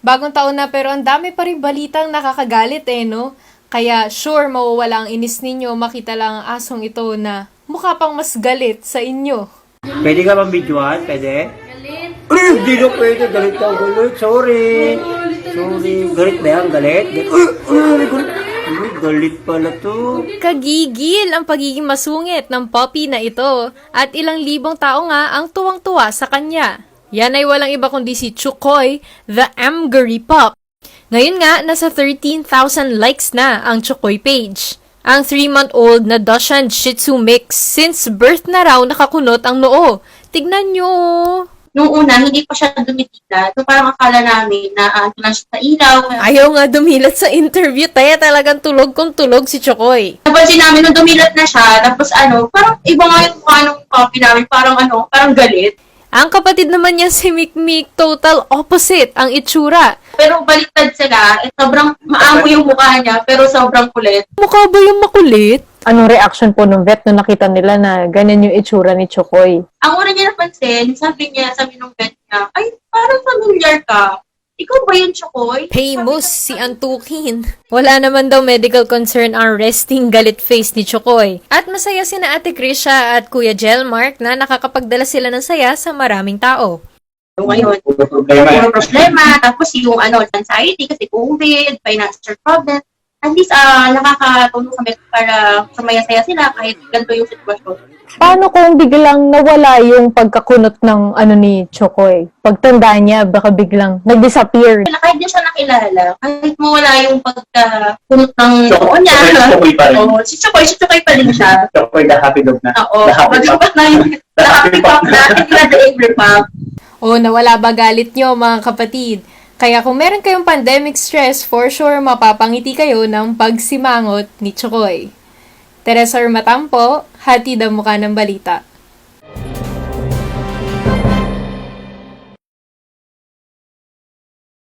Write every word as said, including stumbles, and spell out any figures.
Bagong taon na pero ang dami pa rin balitang nakakagalit eh, no? Kaya sure mawawala ang inis ninyo makita lang ang asong ito na mukha pang mas galit sa inyo. Pwede ka bang videoan? Pwede? Galit. Ay, hindi na pwede. Galit ka, galit. Sorry. Sorry. Galit ba yan? Galit? Galit. Ay, ay, galit. Ay, galit pala to. Kagigil ang pagiging masungit ng puppy na ito at ilang libong tao nga ang tuwang-tuwa sa kanya. Yan ay walang iba kundi si Chukoy, the Amgery Pup. Ngayon nga, nasa thirteen thousand likes na ang Chukoy page. Ang three-month-old na Dachshund Shih Tzu mix since birth na raw nakakunot ang noo. Tignan nyo! Nung una, hindi pa siya dumitila. So parang akala namin na uh, lang siya sa ilaw. Ayaw nga dumilat sa interview, kaya talagang tulog kung tulog si Chukoy. Napansin namin nung dumilat na siya, tapos ano, parang iba nga yung mukha ng puppy namin, parang ano, parang galit. Ang kapatid naman niya si Mikmik, total opposite ang itsura. Pero baliktad sila, eh, sobrang maamo yung mukha niya, pero sobrang kulit. Mukha ba yung makulit? Anong reaction po ng vet nung nakita nila na ganyan yung itsura ni Chukoy? Ang una niya napansin, sabi niya, sabi nung vet niya, ay, parang familiar ka. Ikaw ba yung Chukoy? Famous si Antukin. Wala naman daw medical concern ang resting galit face ni Chukoy. At masaya sina Ate Krisha at Kuya Jelmark na nakakapagdala sila ng saya sa maraming tao. So, ngayon, Problema. puro problema, tapos yung ano, anxiety kasi COVID, financial problem. At least, ah, nakakatulong sa vet para sumaya-saya sila kahit ganito yung sitwasyon. Paano kung biglang nawala yung pagkakunot ng ano ni Chukoy? Pagtanda niya, baka biglang nag-disappear. Kahit di siya nakilala, kahit mawala yung pagkakunot ng noo niya. Chukoy pa rin. Oo, si Chukoy, si Chukoy pa rin siya. Chokoy na happy dog na. Oo, The happy pup. mag-ipat na yung the happy pup na, hindi na the angry pup. O nawala ba galit nyo mga kapatid? Kaya kung meron kayong pandemic stress, for sure mapapangiti kayo ng pagsimangot ni Chukoy. Teresa Matampo, hatid ang mukha ng balita.